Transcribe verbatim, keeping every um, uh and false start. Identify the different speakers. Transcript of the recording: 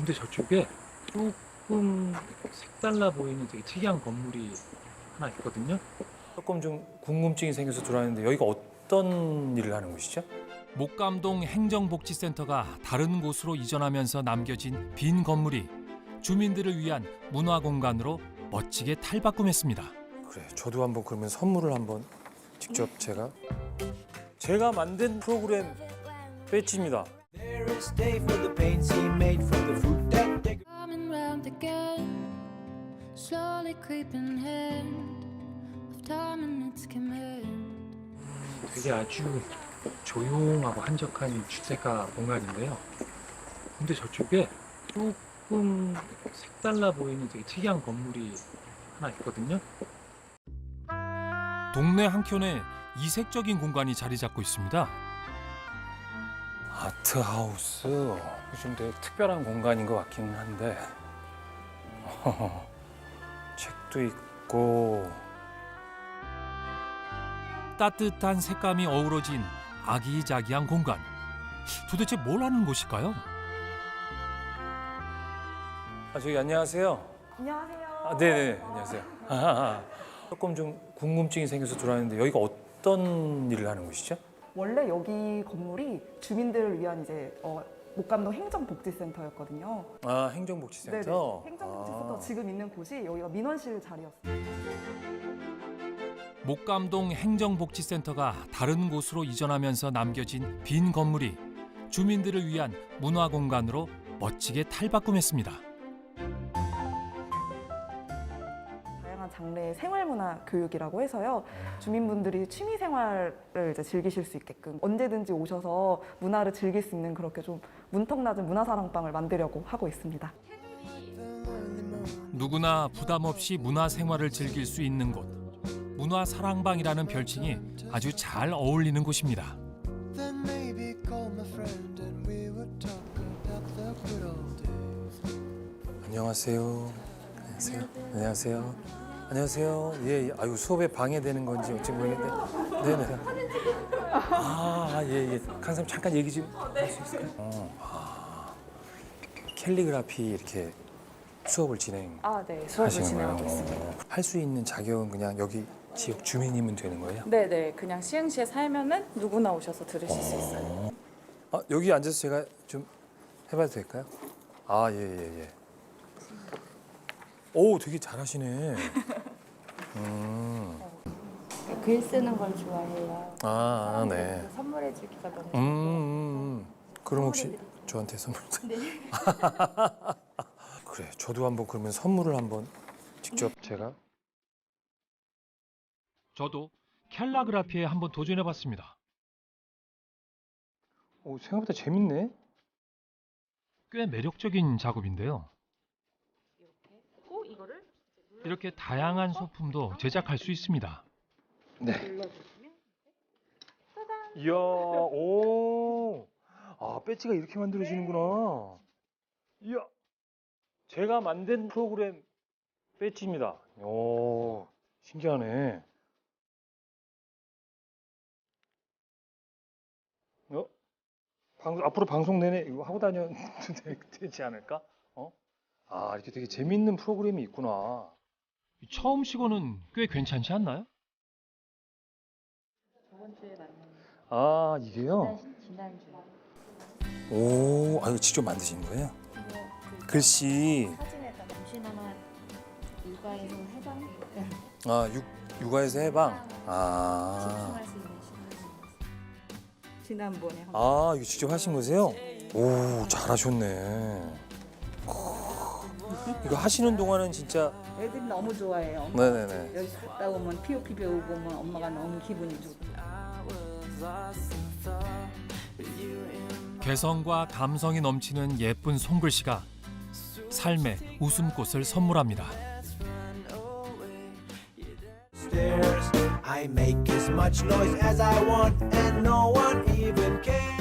Speaker 1: 근데 저쪽에 조금 색달라 보이는 되게 특이한 건물이 하나 있거든요.
Speaker 2: 조금 좀 궁금증이 생겨서 들어왔는데 여기가 어떤 일을 하는 곳이죠?
Speaker 3: 목감동 행정복지센터가 다른 곳으로 이전하면서 남겨진 빈 건물이 주민들을 위한 문화공간으로 멋지게 탈바꿈했습니다.
Speaker 2: 그래, 저도 한번 그러면 선물을 한번 직접 제가 제가 만든 프로그램 배지입니다.
Speaker 4: Coming round again, slowly creeping hand of time and its command.
Speaker 1: 되게 아주 조용하고 한적한 주택가 공간인데요. 근데 저쪽에 조금 색달라 보이는 되게 특이한 건물이 하나 있거든요.
Speaker 3: 동네 한켠에 이색적인 공간이 자리 잡고 있습니다.
Speaker 2: 아트하우스. 좀 되게 특별한 공간인 것 같기는 한데 책도 있고
Speaker 3: 따뜻한 색감이 어우러진 아기자기한 공간. 도대체 뭘 하는 곳일까요?
Speaker 2: 아, 저기 안녕하세요.
Speaker 5: 안녕하세요.
Speaker 2: 아, 네네, 안녕하세요. 아, 조금 좀 궁금증이 생겨서 들어왔는데 여기가 어떤 일을 하는 곳이죠?
Speaker 5: 원래 여기 건물이 주민들을 위한 이제 어, 목감동 행정복지센터였거든요.
Speaker 2: 아, 행정복지센터?
Speaker 5: 네네. 행정복지센터
Speaker 2: 아.
Speaker 5: 지금 있는 곳이 여기가 민원실 자리였어요.
Speaker 3: 목감동 행정복지센터가 다른 곳으로 이전하면서 남겨진 빈 건물이 주민들을 위한 문화공간으로 멋지게 탈바꿈했습니다.
Speaker 5: 다양한 장르의 생활문화 교육이라고 해서요. 주민분들이 취미 생활을 이제 즐기실 수 있게끔 언제든지 오셔서 문화를 즐길 수 있는 그렇게 좀 문턱 낮은 문화사랑방을 만들려고 하고 있습니다.
Speaker 3: 누구나 부담 없이 문화생활을 즐길 수 있는 곳. 문화사랑방이라는 별칭이 아주 잘 어울리는 곳입니다.
Speaker 2: 안녕하세요. 안녕하세요. 안녕하세요. 안녕하세요. 예, 예. 아유, 수업에 방해되는 건지 어찌 모르겠는데. 네네. 아, 예, 예. 강사님 잠깐 얘기 좀 할 수 있을까요? 어, 아, 캘리그라피 이렇게 수업을 진행.
Speaker 5: 아, 네. 수업을
Speaker 2: 하시는
Speaker 5: 진행하고
Speaker 2: 거예요?
Speaker 5: 있습니다.
Speaker 2: 할 수 있는 자격은 그냥 여기 지역 주민이면 되는 거예요?
Speaker 5: 네, 네. 그냥 시흥시에 살면은 누구나 오셔서 들으실 수 있어요.
Speaker 2: 아, 여기 앉아서 제가 좀 해봐도 될까요? 아, 예, 예, 예. 오, 되게 잘하시네. 음.
Speaker 6: 글 쓰는 걸 좋아해요.
Speaker 2: 아, 아, 네.
Speaker 6: 선물해 주기가 너무
Speaker 2: 음, 음, 음. 그럼 혹시 저한테 선물?
Speaker 6: 네.
Speaker 2: 그래, 저도 한번 그러면 선물을 한번 직접 제가.
Speaker 3: 저도 캘라그라피에 한번 도전해봤습니다.
Speaker 2: 오, 생각보다 재밌네.
Speaker 3: 꽤 매력적인 작업인데요. 이렇게 다양한 소품도 제작할 수 있습니다.
Speaker 2: 네. 이야, 오. 아, 배지가 이렇게 만들어지는구나. 이야. 제가 만든 프로그램 배지입니다. 오, 신기하네. 어? 방, 앞으로 방송 내내 이거 하고 다녀도 되지 않을까? 어? 아, 이렇게 되게 재밌는 프로그램이 있구나.
Speaker 3: 처음 시고는 꽤 괜찮지 않나요?
Speaker 6: 저번 주에 만난
Speaker 2: 아, 이게요?
Speaker 6: 지난 주
Speaker 2: 오, 아, 이거 직접 만드신 거예요? 글씨.
Speaker 6: 사진에다 잠시나마 육아에서 해방
Speaker 2: 아, 육, 육아에서 해방. 아.
Speaker 6: 집중할 수 있는 시간이
Speaker 5: 지난번에 한
Speaker 2: 아, 이거 직접 하신 거세요? 오, 잘하셨네. 이거 하시는 동안은 진짜.
Speaker 7: 애들이 너무 좋아해요.
Speaker 2: 네네네.
Speaker 7: 여기 갔다 오면 피오피 배우고 오면 엄마가 너무 기분이 좋고.
Speaker 3: 개성과 감성이 넘치는 예쁜 손글씨가 삶의 웃음꽃을 선물합니다.
Speaker 8: I make as much noise as I want and no one even cares.